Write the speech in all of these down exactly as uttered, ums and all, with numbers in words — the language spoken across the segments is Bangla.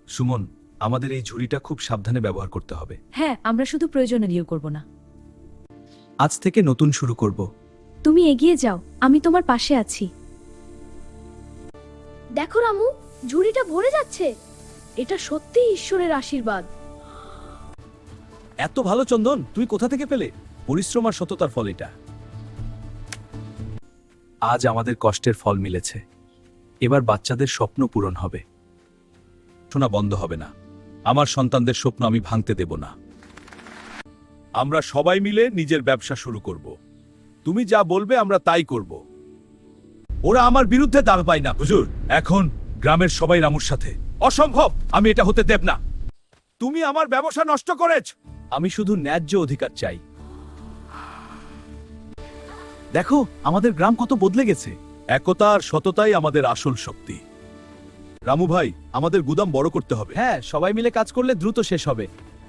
সুমন, আমাদের এই ঝুড়িটা খুব সাবধানে ব্যবহার করতে হবে। হ্যাঁ, আমরা শুধু প্রয়োজনে নিয়োগ করব না। আজ থেকে নতুন শুরু করব। তুমি এগিয়ে যাও, আমি তোমার পাশে আছি। দেখো রামু, ঝুড়িটা ভরে যাচ্ছে। এটা সত্যিই ঈশ্বরের আশীর্বাদ। এত ভালো চন্দন তুই কোথা থেকে পেলে? পরিশ্রম আর সততার ফল এটা। আজ আমাদের কষ্টের ফল মিলেছে। এবার বাচ্চাদের স্বপ্ন পূরণ হবে। শোনা বন্ধ হবে না। আমার সন্তানদের স্বপ্ন আমি ভাঙতে দেব না। আমরা সবাই মিলে নিজের ব্যবসা শুরু করব। তুমি যা বলবে আমরা তাই করব। ওরা আমার বিরুদ্ধে দাঁড় পায় না হুজুর। এখন গ্রামের সবাই রামুর সাথে। অসম্ভব, আমি এটা হতে দেব না। তুমি আমার ব্যবসা নষ্ট করেছ। আমি শুধু ন্যায্য অধিকার চাই। দেখো আমাদের গ্রাম কত বদলে গেছে। একতা আর সততাই আমাদের আসল শক্তি। রামু ভাই, আমাদের গুদাম বড় করতে হবে। হ্যাঁ, সবাই মিলে কাজ করলে দ্রুত শেষ হবে।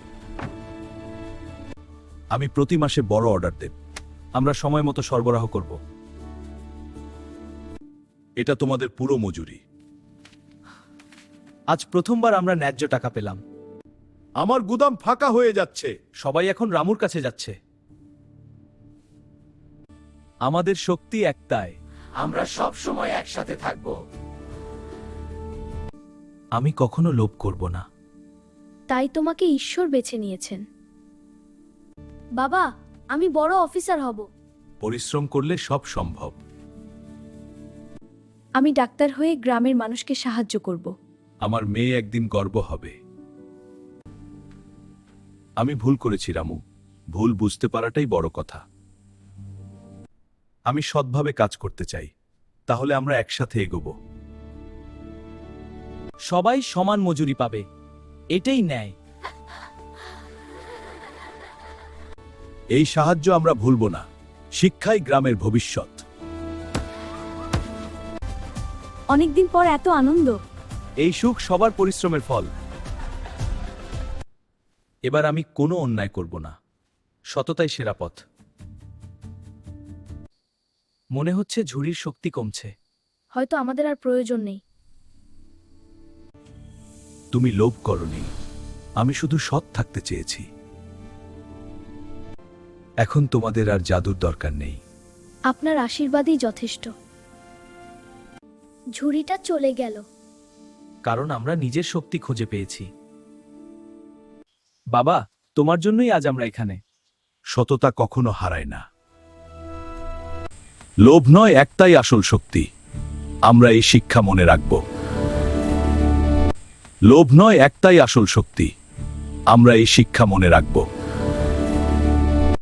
আমি প্রতি মাসে বড় অর্ডার দেব। আমরা সময় মতো সরবরাহ করব। এটা তোমাদের পুরো মজুরি। আজ প্রথমবার আমরা ন্যায্য টাকা পেলাম। আমার গুদাম ফাঁকা হয়ে যাচ্ছে। সবাই এখন রামুর কাছে যাচ্ছে। আমাদের শক্তি একটাই। আমরা সব সময় একসাথে থাকব। আমি কখনো লোভ করব না। তাই তোমাকে ঈশ্বর বেছে নিয়েছেন। বাবা, আমি বড় অফিসার হব। পরিশ্রম করলে সব সম্ভব। আমি ডাক্তার হয়ে গ্রামের মানুষকে সাহায্য করব। আমার মেয়ে একদিন গর্ব হবে। আমি ভুল করেছি রামু। ভুল বুঝতে পারাটাই বড় কথা। আমি সৎভাবে কাজ করতে চাই। তাহলে আমরা একসাথে এগোব। সবাই সমান মজুরি পাবে, এটাই ন্যায়। এই সাহায্য আমরা ভুলব না। শিক্ষাই গ্রামের ভবিষ্যৎ। অনেকদিন পর এত আনন্দ। এই সুখ সবার পরিশ্রমের ফল। এবার আমি কোনো অন্যায় করব না। সততাই সেরা পথ। মনে হচ্ছে ঝুড়ির শক্তি কমছে। হয়তো আমাদের আর প্রয়োজন নেই। তুমি লোভ করনি। আমি শুধু সৎ থাকতে চেয়েছি। এখন তোমাদের আর জাদুর দরকার নেই। আপনার আশীর্বাদই যথেষ্ট। ঝুড়িটা চলে গেল। কারণ আমরা নিজের শক্তি খুঁজে পেয়েছি। বাবা, তোমার জন্যই আজ আমরা এখানে। সততা কখনো হারায় না। লোভ নয়, একটাই আসল শক্তি। আমরা এই শিক্ষা মনে রাখব। লোভ নয়, একটাই আসল শক্তি। আমরা এই শিক্ষা মনে রাখব।